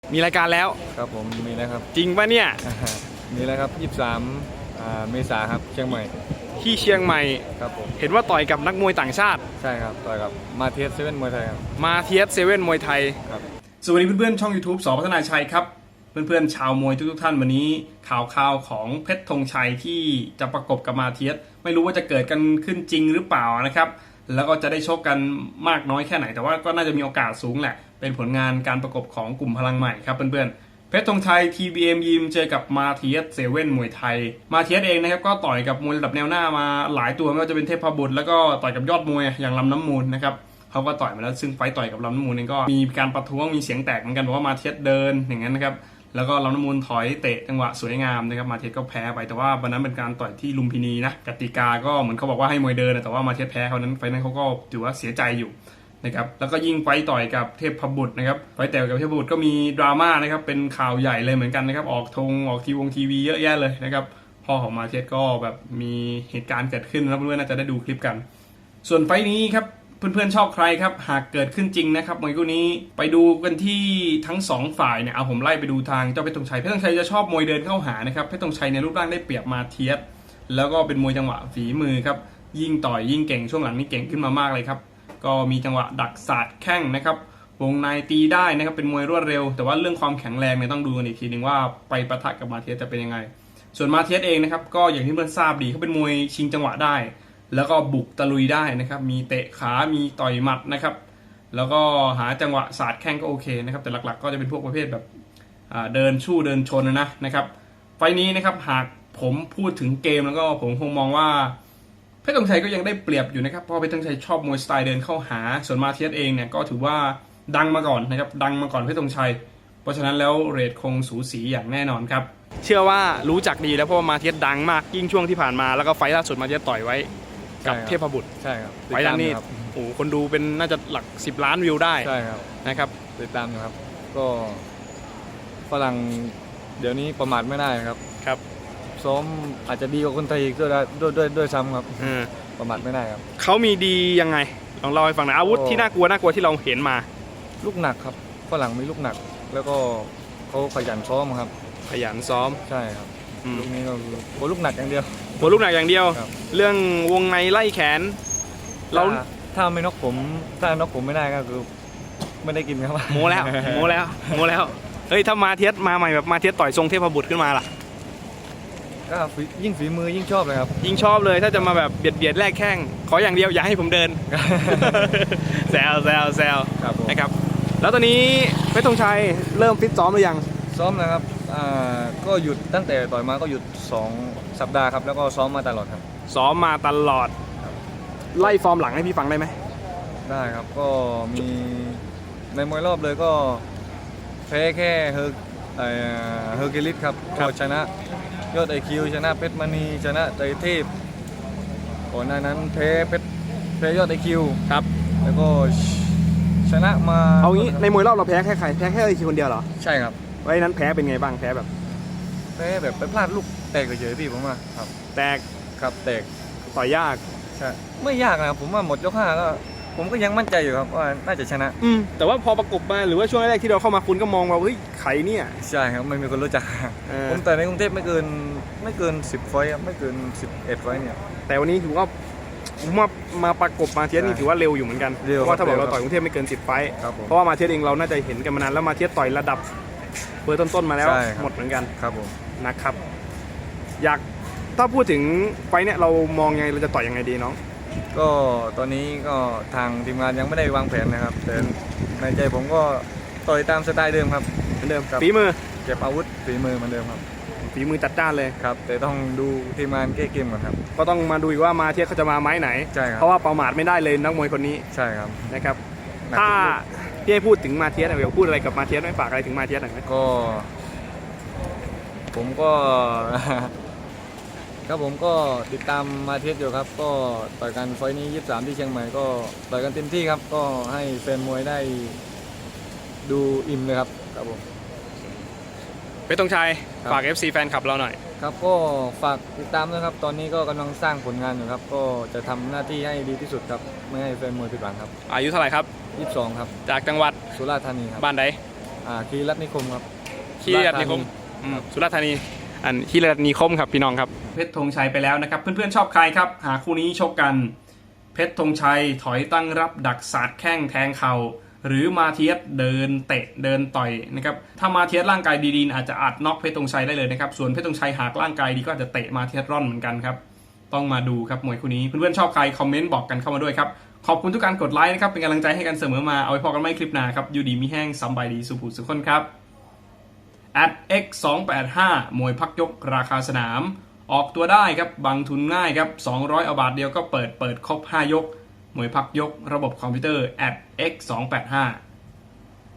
มีรายการแล้วครับผมมีแล้วครับจริงป่ะเนี่ยมีแล้วครับ23เมษาครับเชียงใหม่ที่เชียงใหม่ครับผมเห็นว่าต่อยกับนักมวยต่างชาติใช่ครับต่อยกับมาเทียสเซเว่นมวยไทยครับมาเทียสเซเว่นมวยไทยครับสวัสดีเพื่อนๆช่อง YouTube ส.พัฒนาชัยครับเพื่อนๆชาวมวยทุกท่านวันนี้ข่าวของเพชรธงชัยที่จะประกบกับมาเทียสไม่รู้ว่าจะเกิดกันขึ้นจริงหรือเปล่านะครับแล้วก็จะได้ชกกันมากน้อยแค่ไหนแต่ว่าก็น่าจะมีโอกาสสูงแหละเป็นผลงานการประกบของกลุ่มพลังใหม่ครับเพื่อนๆเพชรธงชัย TBM ยิมเจอกับมาเทียสเซเว่นมวยไทยมาเทียสเองนะครับก็ต่อยกับมวยระดับแนวหน้ามาหลายตัวไม่ว่าจะเป็นเทพบุตรแล้วก็ต่อยกับยอดมวยอย่างลำน้ำมูลนะครับเขาก็ต่อยมาแล้วซึ่งไฟต่อยกับลำน้ำมูลเองก็มีการประท้วงมีเสียงแตกเหมือนกันบอกว่ามาเทียสเดินอย่างนั้นนะครับแล้วก็ลำน้ำมูลถอยเตะจังหวะสวยงามนะครับมาเทียสก็แพ้ไปแต่ว่าวันนั้นเป็นการต่อยที่ลุมพินีนะกติกาก็เหมือนเขาบอกว่าให้มวยเดินแต่ว่ามาเทียสแพ้เขานั้นไฟนั้นเขาก็ถือว่าเสียใจอยู่นะครับแล้วก็ยิ่งไฟต่อยกับเทพบุตรนะครับไฟแต่กับเทพบุตรก็มีดราม่านะครับเป็นข่าวใหญ่เลยเหมือนกันนะครับออกทีวีเยอะแยะเลยนะครับพ่อของมาเทียสก็แบบมีเหตุการณ์เกิดขึ้นแล้วเพื่อนๆน่าจะได้ดูคลิปกันส่วนไฟนี้ครับเพื่อนๆชอบใครครับหากเกิดขึ้นจริงนะครับมวยคู่นี้ไปดูกันที่ทั้ง2ฝ่ายเนี่ยเอาผมไล่ไปดูทางเจ้าเพชรธงชัยเพชรธงชัยจะชอบมวยเดินเข้าหานะครับเพชรธงชัยในรูปร่างได้เปรียบมาเทียสแล้วก็เป็นมวยจังหวะฝีมือครับยิ่งต่อยยิ่งเก่งช่วงหลังนี้เก่งขึ้นมามากเลยครับก็มีจังหวะดักศาสตร์แข้งนะครับวงในตีได้นะครับเป็นมวยรวดเร็วแต่ว่าเรื่องความแข็งแรงเนี่ยต้องดูกันอีกทีนึงว่าไปปะทะกับมาเทียสจะเป็นยังไงส่วนมาเทียสเองนะครับก็อย่างที่เพื่อนทราบดีเขาเป็นมวยชิงจังหวะได้แล้วก็บุกตะลุยได้นะครับมีเตะขามีต่อยหมัดนะครับแล้วก็หาจังหวะศาสตร์แข้งก็โอเคนะครับแต่หลักๆก็จะเป็นพวกประเภทแบบเดินชู้เดินชนนะครับไฟนี้นะครับหากผมพูดถึงเกมแล้วก็ผมคงมองว่าเพชรธงชัยก็ยังได้เปรียบอยู่นะครับเพราะเพชรธงชัยชอบมวยสไตล์เดินเข้าหาส่วนมาเทียสเองเนี่ยก็ถือว่าดังมาก่อนนะครับดังมาก่อนเพชรธงชัยเพราะฉะนั้นแล้วเรทคงสูสีอย่างแน่นอนครับเชื่อว่ารู้จักดีแล้วเพราะว่ามาเทียสดังมากยิ่งช่วงที่ผ่านมาแล้วก็ไฟล่าสุดมาเทียสต่อยไว้กับเทพบุตรใช่ครับไฟนั้นนี่โอ้คนดูเป็นน่าจะหลัก10 ล้านวิวได้ใช่ครับนะครับติดตามนะครับก็ฝรั่งเดี๋ยวนี้ประมาทไม่ได้ครับครับซ้อมอาจจะดีกว่าคนไทยอีกด้วยซ้ำครับประมาทไม่ได้ครับเขามีดียังไงลองเล่าให้ฟังหน่อยอาวุธที่น่ากลัวที่เราเห็นมาลูกหนักครับฝรั่งมีลูกหนักแล้วก็เขาขยันซ้อมครับขยันซ้อมใช่ครับลูกนี้ก็โอ้ลูกหนักอย่างเดียวลูกหนักอย่างเดียวเรื่องวงในไล่แขนเราถ้าไม่น็อกผมไม่ได้ก็คือไม่ได้กินครับโมแล้วเฮ้ยถ้ามาเทียสมาใหม่แบบมาเทียสต่อยทรงเทพบุตรขึ้นมาล่ะก็ยิ่งฝีมือยิ่งชอบเลยครับยิ่งชอบเลยถ้าจะมาแบบเบียดแลกแข้งขออย่างเดียวอย่าให้ผมเดินแซวนะครับแล้วตอนนี้เพชรธงชัยเริ่มฟิตซ้อมหรือยังซ้อมนะครับก็หยุดตั้งแต่ต่อยมาก็หยุด2 สัปดาห์ครับแล้วก็ซ้อมมาตลอดครับซ้อมมาตลอดไล่ฟอร์มหลังให้พี่ฟังได้ไหมได้ครับก็มีในมวยรอบเลยก็แพ้แค่เฮอร์กิลิสครับก็ชนะยอดIQชนะเพชรมณีชนะไตรเทพก่อนหน้านั้นแพ้ยอดIQ ครับแล้วก็ชนะมาเอางี้ในมวยรอบเราแพ้แค่ใครแพ้แค่IQคนเดียวเหรอใช่ครับไว้นั้นแพ้เป็นไงบ้างแพ้แบบไปพลาดลูกแตกเฉยๆพี่ผมว่าครับแตกครับแตกต่อยยากใช่ไม่ยากนะผมว่าหมดยก5ก็ผมก็ยังมั่นใจอยู่ครับว่าน่าจะชนะแต่ว่าพอประกบมาหรือว่าช่วงแรกที่เราเข้ามาคุณก็มองว่าเฮ้ยใครเนี่ยใช่ครับไม่มีคนรู้จักผมแต่ในกรุงเทพไม่เกิน10 ไฟครับไม่เกิน11 ไฟเนี่ยแต่วันนี้ถือว่ามาประกบมาเทียสนี่ถือว่าเร็วอยู่เหมือนกันเพราะว่าถ้าบอกเราต่อยกรุงเทพไม่เกิน10 ไฟเพราะว่ามาเทียสเองเราน่าจะเห็นกันมานานแล้วมาเทียสต่อยระดับเบอร์ต้นๆมาแล้วหมดเหมือนกันครับผมนะครับอยากถ้าพูดถึงไฟเนี่ยเรามองไงเราจะต่อยยังไงดีน้องก็ตอนนี้ก็ทางทีมงานยังไม่ได้วางแผนนะครับแต่ในใจผมก็ต่อยตามสไตล์เดิมครับเหมือนเดิมฝีมือเก็บอาวุธฝีมือเหมือนเดิมครับฝีมือจัดจ้านเลยครับแต่ต้องดูทีมงานแก้เกมก่อนครับก็ต้องมาดูอีกว่ามาเทียสเขาจะมาไม้ไหนใช่ครับเพราะว่าประมาทไม่ได้เลยนักมวยคนนี้ใช่ครับนะครับถ้าพี่ให้พูดถึงมาเทียสอยากพูดอะไรกับมาเทียสไม่ฝากอะไรถึงมาเทียสหน่อยไหมก็ผมก็ครับผมก็ติดตามมาเทียสอยู่ครับก็ต่อยกันไฟนี้23ที่เชียงใหม่ก็ต่อยกันเต็มที่ครับก็ให้แฟนมวยได้ดูอิ่มเลยครับครับผมเพชรธงชัยฝาก FC แฟนคลับเราหน่อยครับก็ฝากติดตามนะครับตอนนี้ก็กำลังสร้างผลงานอยู่ครับก็จะทำหน้าที่ให้ดีที่สุดครับไม่ให้แฟนมวยผิดหวังครับอายุเท่าไหร่ครับ 22ครับจากจังหวัดสุราษฎร์ธานีครับบ้านใดคีรัตนิคมครับคีรีรัตนิคมสุราษฎร์ธานีอันคีรีรัตนิคมครับพี่น้องครับเพชรธงชัยไปแล้วนะครับเพื่อนๆชอบใครครับหาคู่นี้ชกกันเพชรธงชัยถอยตั้งรับดักสาดแข้งแทงเข่าหรือมาเทียสเดินเตะเดินต่อยนะครับถ้ามาเทียสร่างกายดีๆอาจจะอัดน็อกเพชรธงชัยได้เลยนะครับส่วนเพชรธงชัยหากร่างกายดีก็อาจจะเตะมาเทียสร่อนเหมือนกันครับต้องมาดูครับมวยคู่นี้เพื่อนๆชอบใครคอมเมนต์บอกกันเข้ามาด้วยครับขอบคุณทุกการกดไลค์นะครับเป็นกำลังใจให้กันเสมอมาเอาไว้พอกันไม่คลิปหน้าครับอยู่ดีมีแห้งสบายดีสุขสุขคนครับ@x285 มวยพักยกราคาสนามออกตัวได้ครับบังทุนง่ายครับ200เอาบาทเดียวก็เปิดครบ5ยกมวยพักยกระบบคอมพิวเตอร์ @x285